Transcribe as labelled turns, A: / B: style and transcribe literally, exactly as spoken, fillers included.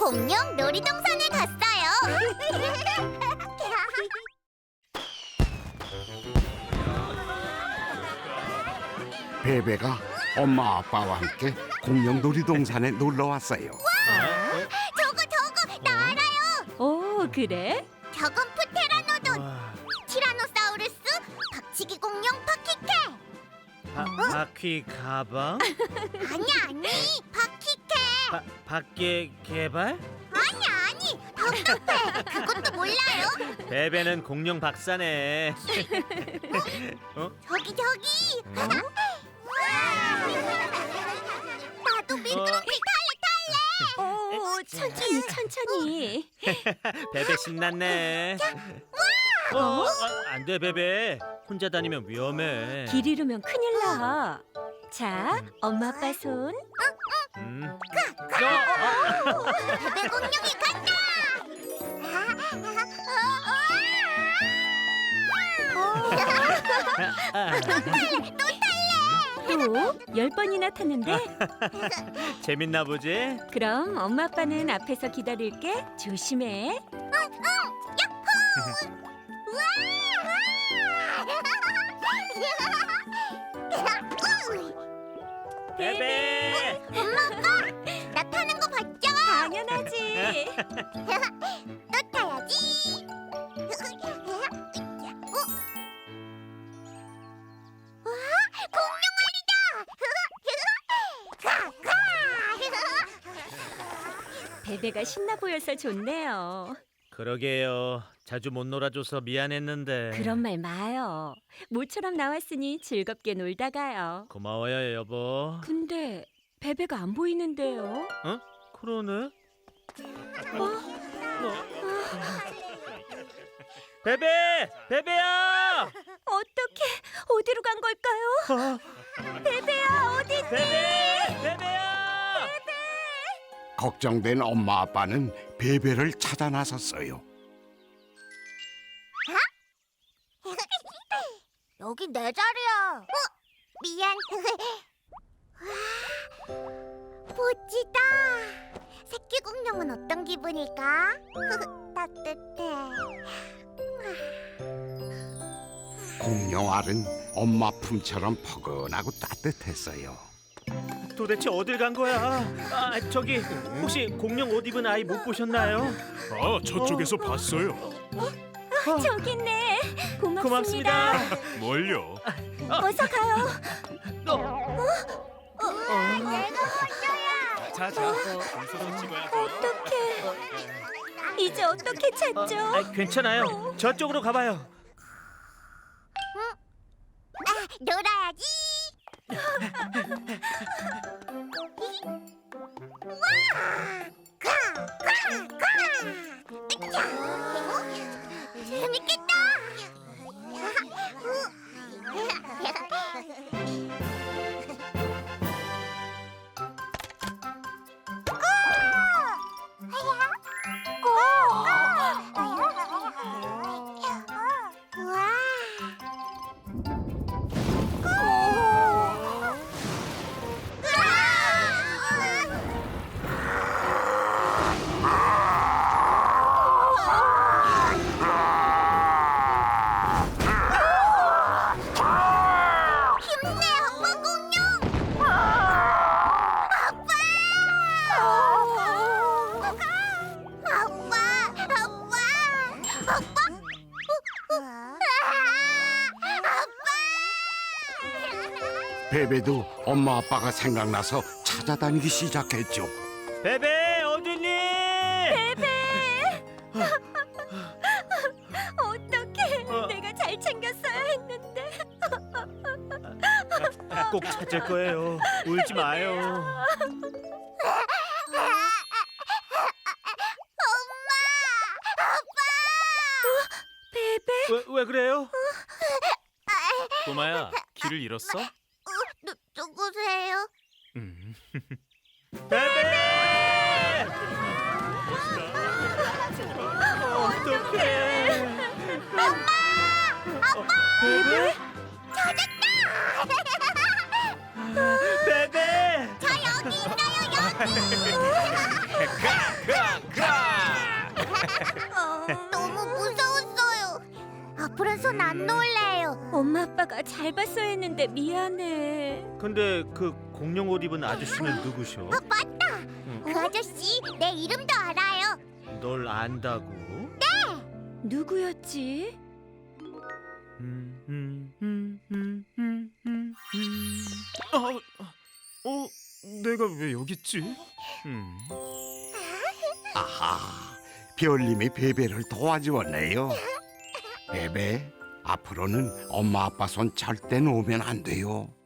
A: 공룡 놀이동산에 갔어요.
B: 베베가 엄마 아빠와 함께 공룡 놀이동산에 놀러 왔어요.
A: 저거 저거 나 알아요.
C: 오, 그래?
A: 저건 프테라노돈, 티라노사우루스, 박치기 공룡 파키케.
D: 바, 바퀴 가방?
A: 아니 아니 파키케.
D: 바, 밖에 개발?
A: 아니 아니 답답해. 그것도 몰라요.
D: 베베는 공룡 박사네. 어?
A: 저기 저기. 나도 미끄럼틀 탈래 탈래.
C: 오, 천천히, 천천히.
D: 베베 신났네. 어, 어, 안돼 베베. 혼자 다니면 위험해.
C: 길 잃으면 큰일 나. 자, 엄마 아빠 손.
D: 음.
A: 베베 공룡이 간다.
C: 또 열 번이나 탔는데?
D: 재밌나 보지?
C: 그럼 엄마 아빠는 앞에서 기다릴게. 조심해.
D: 베베.
A: 나 타는 거 봤죠?
C: 당연하지.
A: 또 타야지. 어? 와, 공룡 말이다.
C: 베베가 신나 보여서 좋네요.
D: 그러게요. 자주 못 놀아줘서 미안했는데.
C: 그런 말 마요. 모처럼 나왔으니 즐겁게 놀다 가요.
D: 고마워요 여보.
C: 근데 베베가 안 보이는데요?
D: 어? 그러네. 베베! 베베야!
C: 어떻게 어디로 간 걸까요?
D: 어,
C: 베베야 어디 있니?
D: 베베! 베베야!
B: 걱정된 엄마 아빠는 베베를 찾아 나섰어요.
A: 여기 내 자리야. 어? 미안. 와, 멋지다. 새끼 공룡은 어떤 기분일까? 따뜻해.
B: 공룡 알은 엄마 품처럼 포근하고 따뜻했어요.
D: 도대체 어딜 간 거야? 아, 저기 혹시 공룡 옷 입은 아이 못 보셨나요?
E: 아, 저쪽에서 봤어요.
C: 저기 있네. 고맙습니다.
D: 고맙습니다.
E: 뭘요?
C: 어서 가요.
A: 내가 먼저야.
E: 자, 자, 순서 찍어야죠.
C: 어떡해. 이제 어떻게 찾죠?
D: 아, 괜찮아요. 저쪽으로 가봐요.
A: 아, 놀아야지. 와! 가! 가! 가! 으쌰! 재밌겠다.
B: 베베도 엄마 아빠가 생각나서 찾아다니기 시작했죠.
D: 베베 어딨니?
C: 어떡해.
D: 어.
C: 내가 잘 챙겼어야 했는데.
D: 아, 꼭 찾을 거예요. 울지 마요.
C: 베베.
D: 왜, 왜 그래요?
E: 꼬마야, 길을 잃었어?
A: 누, 누구세요?
E: 음.
D: 베베! 어떡해.
C: 베베?
D: 베베!
A: 저 여기 있어요, 여기.
D: 가! 가!
A: 어, 너무 무서웠어요. 앞으로 손 안 놓을래요.
C: 엄마 아빠가 잘 봤어야 했는데 미안해.
D: 근데 그 공룡 옷 입은 아저씨는 누구셔?
A: 어, 맞다. 그 아저씨 내 이름도 알아요.
D: 널 안다고?
C: 누구였지?
E: 음, 음, 음, 음, 음, 음, 음. 아, 어, 내가 왜 여기 있지? 음.
B: 아하, 별님이 베베를 도와주었네요. 베베, 앞으로는 엄마 아빠 손 절대 놓으면 안 돼요.